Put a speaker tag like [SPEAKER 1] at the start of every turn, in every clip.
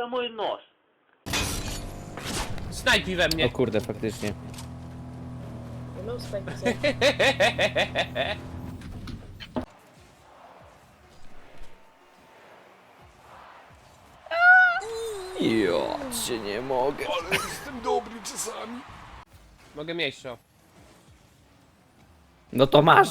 [SPEAKER 1] mój nos.
[SPEAKER 2] Snajpi we mnie.
[SPEAKER 3] O kurde, faktycznie.
[SPEAKER 4] No spędźcie.
[SPEAKER 3] Ja cię nie mogę.
[SPEAKER 5] Ale jestem dobry czasami.
[SPEAKER 2] Mogę mieć to.
[SPEAKER 3] No to masz.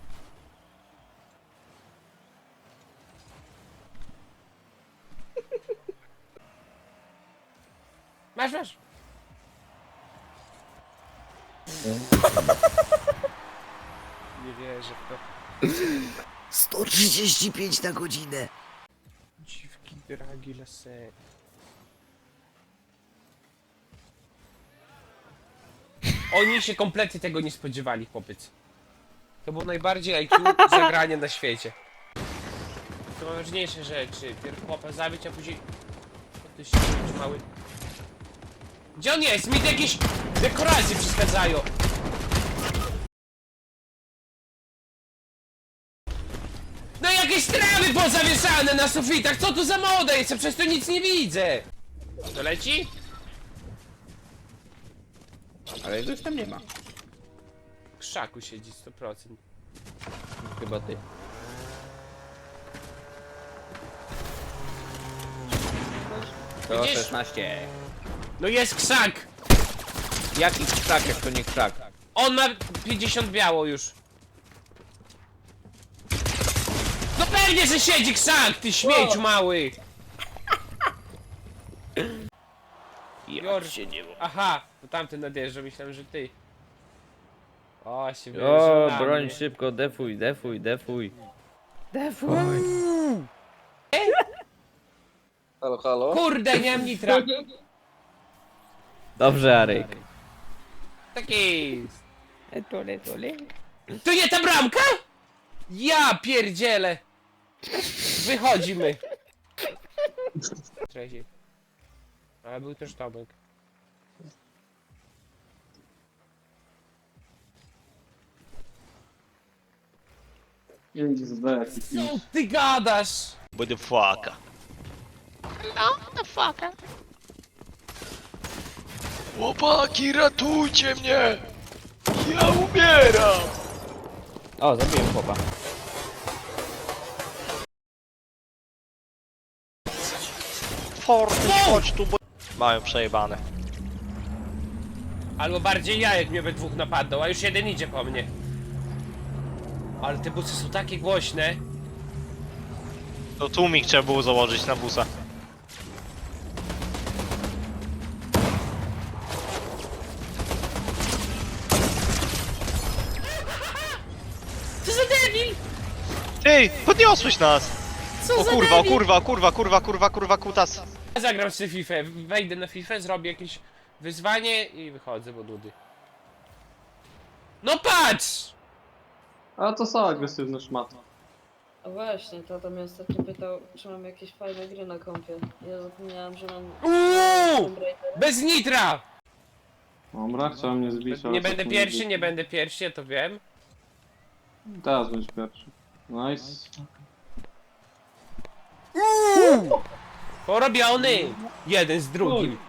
[SPEAKER 2] Masz. Nie wierzę w to.
[SPEAKER 3] 135 na godzinę.
[SPEAKER 2] Dziwki, dragi, lasy. Oni się kompletnie tego nie spodziewali, chłopiec. To było najbardziej IQ zagranie na świecie. To ważniejsze rzeczy. Pierw chłopa zabić, a później... O, ty się mały. Gdzie on jest? Mi tu jakieś dekoracje przeszkadzają. No jakieś trawy pozawieszane na sufitach, co tu za moda jest? Ja przez to nic nie widzę. To leci?
[SPEAKER 3] Ale już tam nie ma.
[SPEAKER 2] W krzaku siedzi 100%.
[SPEAKER 3] Chyba ty. To
[SPEAKER 2] Widzisz?
[SPEAKER 3] 16.
[SPEAKER 2] No jest krzak!
[SPEAKER 3] Jaki krzak, jak to nie krzak?
[SPEAKER 2] On ma 50 biało już. No pewnie, że siedzi krzak, ty śmieciu mały!
[SPEAKER 3] Ja cię nie mogę.
[SPEAKER 2] Aha, to tamten nadjeżdża, myślałem, że ty. O, się
[SPEAKER 3] O,
[SPEAKER 2] wyjeżdża na
[SPEAKER 3] broń
[SPEAKER 2] mnie.
[SPEAKER 3] szybko, defuj. Defuj.
[SPEAKER 5] Halo, halo?
[SPEAKER 2] Kurde, nie mam nitra.
[SPEAKER 3] Dobrze, Arek.
[SPEAKER 2] Tak jest.
[SPEAKER 3] Tole.
[SPEAKER 2] To nie ta bramka? Ja pierdzielę. Wychodzimy. Trzeci. Ale był też Tomek.
[SPEAKER 5] Jedzie z B.
[SPEAKER 2] Co ty gadasz?
[SPEAKER 6] Буде фака. Chłopaki, ratujcie mnie! Ja umieram!
[SPEAKER 3] O, zabiłem chłopa.
[SPEAKER 6] Forty, chodź tu, bo... Mają przejebane.
[SPEAKER 2] Albo bardziej ja, jak mnie we dwóch napadną, a już jeden idzie po mnie. Ale te busy są takie głośne.
[SPEAKER 6] To tłumik trzeba było założyć na busa.
[SPEAKER 2] Co za debil!
[SPEAKER 6] Ty, podniosłeś nas!
[SPEAKER 2] Co
[SPEAKER 6] O
[SPEAKER 2] za
[SPEAKER 6] kurwa, o
[SPEAKER 2] debil!
[SPEAKER 6] kurwa, kutas.
[SPEAKER 2] Ja zagram sobie FIFA, wejdę na FIFA, zrobię jakieś wyzwanie i wychodzę, bo nudy. No patrz!
[SPEAKER 5] A to są agresywne szmaty.
[SPEAKER 4] A właśnie, tata mnie ostatnio pytał, czy mam jakieś fajne gry na kompie. Ja zapomniałam, że mam...
[SPEAKER 2] Uuu!
[SPEAKER 4] Tomb Raidera.
[SPEAKER 2] Bez nitra!
[SPEAKER 5] Dobra, chciałem mnie zbić, ale
[SPEAKER 2] Nie
[SPEAKER 5] co
[SPEAKER 2] będę
[SPEAKER 5] tu
[SPEAKER 2] pierwszy,
[SPEAKER 5] mówić?
[SPEAKER 2] nie będę pierwszy, ja to wiem.
[SPEAKER 5] Teraz będziesz pierwszy. Nice.
[SPEAKER 2] Porobiony! Jeden z drugim.